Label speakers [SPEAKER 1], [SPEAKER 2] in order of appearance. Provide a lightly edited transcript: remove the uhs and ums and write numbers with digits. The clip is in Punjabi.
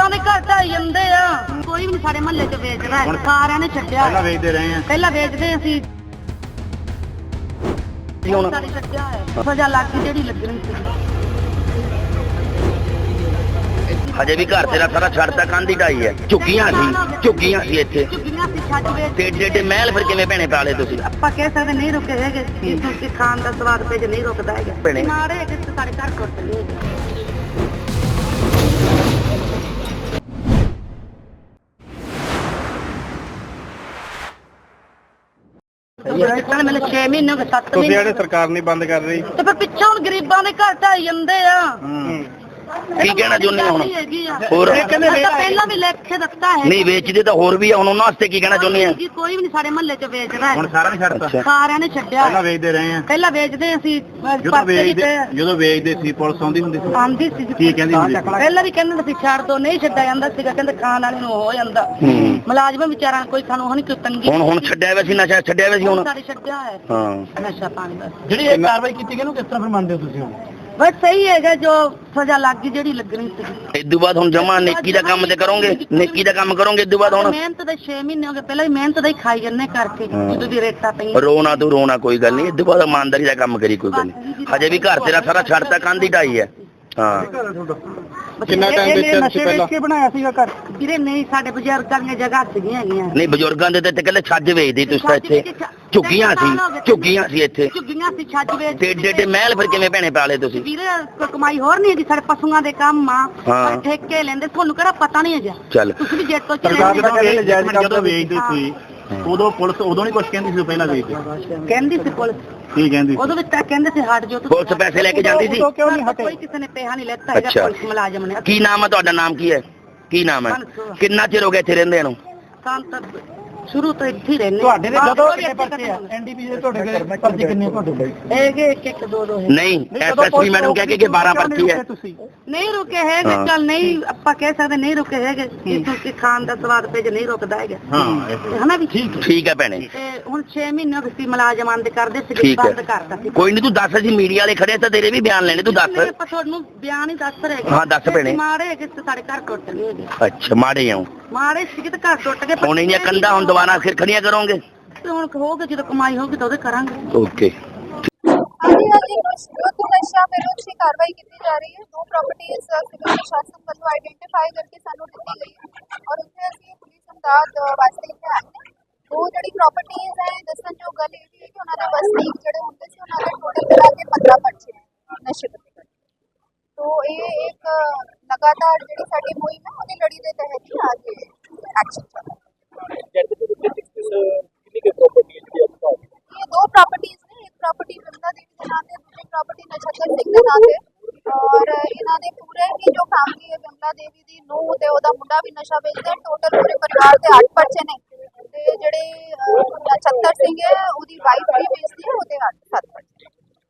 [SPEAKER 1] ਗਰੀਬਾਂ ਦੇ ਘਰ ਢਾਈ ਜਾਂਦੇ ਆ। ਕੋਈ ਵੀ ਨਹੀਂ ਸਾਡੇ ਮਹੱਲੇ 'ਚ ਵੇਚਦਾ ਹੈ, ਸਾਰਿਆਂ ਨੇ ਛੱਡਿਆ।
[SPEAKER 2] ਪਹਿਲਾਂ ਵੇਚਦੇ ਰਹੇ ਆ,
[SPEAKER 1] ਪਹਿਲਾਂ ਵੇਚਦੇ ਅਸੀਂ, ਹੁਣ ਸਾਡੇ ਛੱਡਿਆ ਹੈ। ਸਜ਼ਾ ਲੱਗ ਗਈ ਜਿਹੜੀ ਲੱਗਣੀ ਸੀ।
[SPEAKER 3] ਹਜੇ ਵੀ ਘਰ ਤੇਰਾ ਸਾਰਾ ਛੱਡਤਾ, ਕੰਧ ਢਾਈ ਹੈ। ਝੁੱਗੀਆਂ ਸੀ ਇੱਥੇ,
[SPEAKER 1] ਝੁੱਗੀਆਂ ਸੀ ਛੱਡ ਵੇਚ।
[SPEAKER 3] ਤੇ ਏਡੇ ਮਹਿਲ ਫਿਰ ਕਿਵੇਂ ਭੈਣੇ ਪਾਲੇ ਤੁਸੀਂ?
[SPEAKER 1] ਆਪਾਂ ਕਹਿ ਸਕਦੇ ਨਹੀਂ ਰੁਕੇ ਹੈਗੇ, ਕਿਉਂਕਿ ਖਾਣ ਦਾ ਸਵਾਦ ਤੇ ਨਹੀਂ ਰੁਕਦਾ ਹੈਗਾ।
[SPEAKER 3] ਭੈਣੇ
[SPEAKER 1] ਮਾਰੇ ਹੈਗੇ ਤੇ ਸਾਡੇ ਘਰ ਟੁੱਟ ਗਏ। ਮੈਨੂੰ 6 ਮਹੀਨੇ ਹੋ ਗਏ, 7
[SPEAKER 2] ਤੁਸੀਂ
[SPEAKER 1] ਮਹੀਨੇ।
[SPEAKER 2] ਜਿਹੜੇ ਸਰਕਾਰ ਨਹੀਂ ਬੰਦ ਕਰ ਰਹੀ,
[SPEAKER 1] ਤੇ ਫਿਰ ਪਿੱਛੋਂ ਹੁਣ ਗਰੀਬਾਂ ਦੇ ਘਰ ਢਾਈ ਜਾਂਦੇ ਆ।
[SPEAKER 3] ਕੀ ਕਹਿਣਾ ਚਾਹੁੰਦੇ ਹੋ ਹੁਣ? ਹੋਰ
[SPEAKER 1] ਪਹਿਲਾਂ ਵੀ ਲਿਖ ਕੇ ਦਿੱਤਾ ਹੈ।
[SPEAKER 3] ਨਹੀਂ ਵੇਚਦੇ ਤਾਂ ਹੋਰ ਵੀ ਆ, ਹੁਣ ਉਹਨਾਂ ਵਾਸਤੇ ਕੀ ਕਹਿਣਾ ਚਾਹੁੰਦੇ ਆ?
[SPEAKER 1] ਜੀ ਕੋਈ ਵੀ ਨਹੀਂ ਸਾਡੇ ਮਹੱਲੇ 'ਚ ਵੇਚਦਾ ਹੈ।
[SPEAKER 2] ਹੁਣ ਸਾਰਾ ਨਹੀਂ ਛੱਡਤਾ।
[SPEAKER 1] ਸਾਰਿਆਂ ਨੇ ਛੱਡਿਆ।
[SPEAKER 2] ਪਹਿਲਾਂ ਵੇਚਦੇ ਰਹੇ ਆ,
[SPEAKER 1] ਪਹਿਲਾਂ ਵੇਚਦੇ ਅਸੀਂ,
[SPEAKER 2] ਜਦੋਂ ਵੇਚਦੇ ਸੀ ਪੁਲਿਸ ਆਉਂਦੀ ਹੁੰਦੀ ਸੀ,
[SPEAKER 1] ਆਉਂਦੀ ਸੀ।
[SPEAKER 2] ਕੀ ਕਹਿੰਦੀ ਹੁੰਦੀ ਸੀ?
[SPEAKER 1] ਪਹਿਲਾਂ ਵੀ ਕਹਿੰਦੇ ਸੀ ਛੱਡ ਦੋ, ਨਹੀਂ ਛੱਡਿਆ ਜਾਂਦਾ ਸੀਗਾ, ਕਹਿੰਦੇ ਖਾਣ ਵਾਲੇ ਨੂੰ ਹੋ ਜਾਂਦਾ। ਮੁਲਾਜ਼ਮ ਵਿਚਾਰਾਂ ਕੋਈ ਸਾਨੂੰ ਹੁਣ ਕੋਈ ਤੰਗੀ।
[SPEAKER 3] ਹੁਣ ਛੱਡਿਆ ਵੈਸੀ ਨਸ਼ਾ, ਛੱਡਿਆ ਵੈਸੀ ਹੁਣ
[SPEAKER 1] ਸਾਡੇ ਛੱਡਿਆ ਹੈ।
[SPEAKER 3] ਹਾਂ,
[SPEAKER 1] ਨਸ਼ਾ ਪਾਣੀ ਦਾ
[SPEAKER 2] ਜਿਹੜੀ ਇਹ ਕਾਰਵਾਈ ਕੀਤੀ ਗਈ ਇਹਨੂੰ ਕਿਸ ਤਰ੍ਹਾਂ ਫਿਰ ਮੰਨਦੇ ਹੋ ਤੁਸੀਂ? ਹੁਣ
[SPEAKER 1] ਬਸ ਸਹੀ ਹੈਗਾ, ਜੋ ਸਜ਼ਾ ਲੱਗ ਗਈ ਜਿਹੜੀ ਲੱਗਣੀ ਸੀ।
[SPEAKER 3] ਇਦੋਂ ਬਾਅਦ ਹੁਣ ਜਮਾ ਨੇਕੀ ਦਾ ਕੰਮ ਤੇ ਕਰੋਗੇ, ਨੇਕੀ ਦਾ ਕੰਮ ਕਰੋਗੇ ਇਦੋਂ ਬਾਅਦ? ਹੁਣ
[SPEAKER 1] ਮਿਹਨਤ ਦੇ 6 ਮਹੀਨੇ ਹੋ ਗਏ, ਪਹਿਲਾਂ ਵੀ ਮਿਹਨਤ ਦਾ ਹੀ ਖਾਈ ਜੰਨੇ ਕਰਕੇ, ਜਦੋਂ ਦੀ ਰੇਟਾਂ ਪਈਆਂ।
[SPEAKER 3] ਰੋਣਾ ਤੂੰ ਰੋਣਾ ਕੋਈ ਗੱਲ ਨਹੀਂ, ਇਦੋਂ ਬਾਅਦ ਇਮਾਨਦਾਰੀ ਦਾ ਕੰਮ ਕਰੀ, ਕੋਈ ਗੱਲ ਨਹੀਂ। ਹਜੇ ਵੀ ਘਰ ਤੇਰਾ ਸਾਰਾ ਛੱਡਤਾ, ਕੰਧ ਢਾਈ ਹੈ। ਹਾਂ,
[SPEAKER 2] ਕਿੰਨਾ ਟਾਈਮ ਵੇਚਿਆ ਤੁਸੀਂ ਪਹਿਲਾਂ?
[SPEAKER 1] ਕੇ ਬਣਾਇਆ ਸੀਗਾ ਘਰ ਵੀਰੇ? ਨਹੀਂ, ਸਾਡੇ ਬਜ਼ੁਰਗਾਂ ਦੀਆਂ ਜਗ੍ਹਾ ਸੀਗੀਆਂ ਹੈਗੀਆਂ।
[SPEAKER 3] ਨਹੀਂ ਬਜ਼ੁਰਗਾਂ ਦੇ ਤੇ ਕਹਿੰਦੇ ਛੱਜ ਵੇਚਦੇ ਤੁਸੀਂ ਤਾਂ ਇੱਥੇ। ਝੁੱਗੀਆਂ ਸੀ ਇੱਥੇ,
[SPEAKER 1] ਝੁੱਗੀਆਂ ਸੀ ਛੱਜ ਵੇਚ।
[SPEAKER 3] ਤੇ ਏਡੇ ਮਹਿਲ ਫਿਰ ਕਿਵੇਂ ਭੈਣੇ ਪਾਲੇ ਤੁਸੀਂ?
[SPEAKER 1] ਵੀਰੇ ਕੋਈ ਕਮਾਈ ਹੋਰ ਨਹੀਂ ਹੈਗੀ, ਸਾਡੇ ਪਸ਼ੂਆਂ ਦੇ ਕੰਮ ਆ, ਪਰ ਠੇਕੇ ਲੈਂਦੇ। ਤੁਹਾਨੂੰ ਕਿਹੜਾ ਪਤਾ ਨਹੀਂ ਹੈਗਾ?
[SPEAKER 3] ਚੱਲ
[SPEAKER 1] ਤੁਸੀਂ ਵੀ ਜੇਤੋਂ
[SPEAKER 2] ਸਰਕਾਰ ਜਦੋਂ ਵੇਚਦੇ ਸੀ ਉਦੋਂ ਪੁਲਿਸ ਉਦੋਂ ਨਹੀਂ ਕੁਝ ਕਹਿੰਦੀ ਸੀ? ਪਹਿਲਾਂ ਵੇਚਦੇ
[SPEAKER 1] ਕਹਿੰਦੀ ਸੀ ਪੁਲਿਸ,
[SPEAKER 2] ਕੀ ਕਹਿੰਦੀ?
[SPEAKER 1] ਉਦੋਂ ਵਿੱਚ ਤਾਂ ਕਹਿੰਦੇ ਸੀ ਹਟ ਜਾਓ।
[SPEAKER 3] ਪੁਲਿਸ ਪੈਸੇ ਲੈ ਕੇ ਜਾਂਦੀ ਸੀ?
[SPEAKER 1] ਕਿਉਂ ਨਹੀਂ ਹਟੇ? ਕੋਈ ਕਿਸੇ ਨੇ ਪੈਸਾ ਨਹੀਂ ਲੈਤਾ ਹੈਗਾ, ਪੁਲਿਸ ਮੁਲਾਜ਼ਮ ਨੇ।
[SPEAKER 3] ਕੀ ਨਾਮ ਹੈ ਤੁਹਾਡਾ? ਨਾਮ ਕੀ ਹੈ? ਕੀ ਨਾਮ ਹੈ? ਕਿੰਨਾ ਚਿਰ ਹੋ ਗਿਆ ਇੱਥੇ ਰਹਿੰਦੇ ਨੂੰ? ਸ਼ੁਰੂ ਤੋਂ ਇੱਥੇ ਹੀ ਰਹਿੰਦੇ।
[SPEAKER 1] ਤੁਹਾਡੇ ਦੇ ਜਦੋਂ ਪਰਚੇ ਆ ਐਨਡੀਪੀ ਦੇ, ਤੁਹਾਡੇ ਪਰਚੇ ਕਿੰਨੇ ਤੁਹਾਡੇ? ਹੈਗੇ 1 2 2
[SPEAKER 3] ਨਹੀਂ, ਐਸਐਸਪੀ ਮੈਡਮ ਕਹਿ ਕੇ ਕਿ 12 ਪਰਚੇ ਹੈ।
[SPEAKER 1] ਨਹੀਂ ਰੁਕੇ ਹੈਗੇ, ਚੱਲ ਨਹੀਂ ਆਪਾਂ ਕਹਿ ਸਕਦੇ ਨਹੀਂ ਰੁਕੇ ਹੈਗੇ, ਕਿਉਂਕਿ ਖਾਣ ਦਾ ਸਵਾਦ ਤੇ ਨਹੀਂ ਰੁਕਦਾ ਹੈਗਾ। ਹਨਾ ਵੀ?
[SPEAKER 3] ਠੀਕ ਹੈ ਭੈਣੇ।
[SPEAKER 1] ਤੇ ਹੁਣ 6 ਮਹੀਨੇ ਹੋ ਗਏ ਸੀ ਮੁਲਾਜ਼ਮ ਬੰਦ ਕਰਦੇ ਸੀ, ਬੰਦ ਕਰਤਾ ਸੀ।
[SPEAKER 3] ਕੋਈ ਨਹੀਂ, ਤੂੰ ਦੱਸ, ਅਸੀਂ ਮੀਡੀਆ ਵਾਲੇ ਖੜੇ ਤਾਂ ਤੇਰੇ ਵੀ ਬਿਆਨ ਲੈਣੇ, ਤੂੰ ਦੱਸ।
[SPEAKER 1] ਆਪਾਂ ਤੁਹਾਨੂੰ ਬਿਆਨ ਹੀ ਦੱਸ ਰਹੇ।
[SPEAKER 3] ਹਾਂ ਦੱਸ ਭੈਣੇ।
[SPEAKER 1] ਮਾੜੇ ਹੈਗੇ ਸਾਡੇ ਘਰ ਟੁੱਟ ਗਏ ਹੈਗੇ।
[SPEAKER 3] ਅੱਛਾ, ਮਾੜੇ ਆਉਂ
[SPEAKER 1] ਮਾੜੇ ਸੀ ਤੇ ਘਰ ਟੁੱਟ ਗਏ।
[SPEAKER 3] ਹੁਣ ਇਹਨੀਆਂ ਕੰਧਾਂ ਹੁਣ ਦੁਬਾਰਾ ਫਿਰ ਖੜੀਆਂ ਕਰੋਗੇ?
[SPEAKER 1] ਹੁਣ ਹੋਊਗਾ, ਜਦੋਂ ਕਮਾਈ ਹੋਊਗੀ ਤਾਂ ਉਹਦੇ ਕਰਾਂਗੇ।
[SPEAKER 3] ਓਕੇ।
[SPEAKER 4] ਨਸ਼ਾ ਵਿਰੁੱਧ ਦੀ ਕਾਰਵਾਈ ਕੀਤੀ ਜਾ ਰਹੀ ਹੈ। 2 ਪ੍ਰਾਪਰਟੀਆਂ ਸਿਵਲ ਪ੍ਰਸ਼ਾਸਨ ਵੱਲੋਂ ਆਈਡੈਂਟੀਫਾਈ ਕਰਕੇ ਸਾਨੂੰ ਦਿੱਤੀ ਗਈ ਹੈ ਔਰ ਉੱਥੇ ਅਸੀਂ ਪੁਲਿਸ ਇਮਦਾਦ ਵਾਸਤੇ ਇੱਥੇ ਆਏ ਹਾਂ। 2 ਜਿਹੜੀ ਪ੍ਰਾਪਰਟੀਆਂ ਹੈ, ਦੱਸਣਯੋਗ ਗੱਲ ਇਹ ਹੈ ਕਿ ਉਹਨਾਂ ਦੇ ਵਸਨੀਕ ਜਿਹੜੇ ਹੁੰਦੇ ਸੀ, ਉਹਨਾਂ ਦੇ ਟੋਟਲ ਮਿਲਾ ਕੇ 15 ਪਰਚੇ ਨਸ਼ੇ ਦੇ। तो ये एक लगातार जी साडी मुहिम है, उहदी लड़ी के तहत ही आज एक्शन चल रहा है। ये 2 प्रॉपर्टीज ने, एक प्रॉपर्टी विमला देवी के नाम से, दूसरी प्रॉपर्टी नक्षत्र सिंह के नाम से। और इन्हों ने पूरे ही जो फैमिली है, विमला देवी की नूह ते ओहदा मुंडा भी नशा बेचदा। टोटल पूरे परिवार के 8 पर्चे ने, ते जिहड़े नक्षत्र सिंह है ओहदी वाइफ भी बेचदी है, ओहदे 7 पर्चे।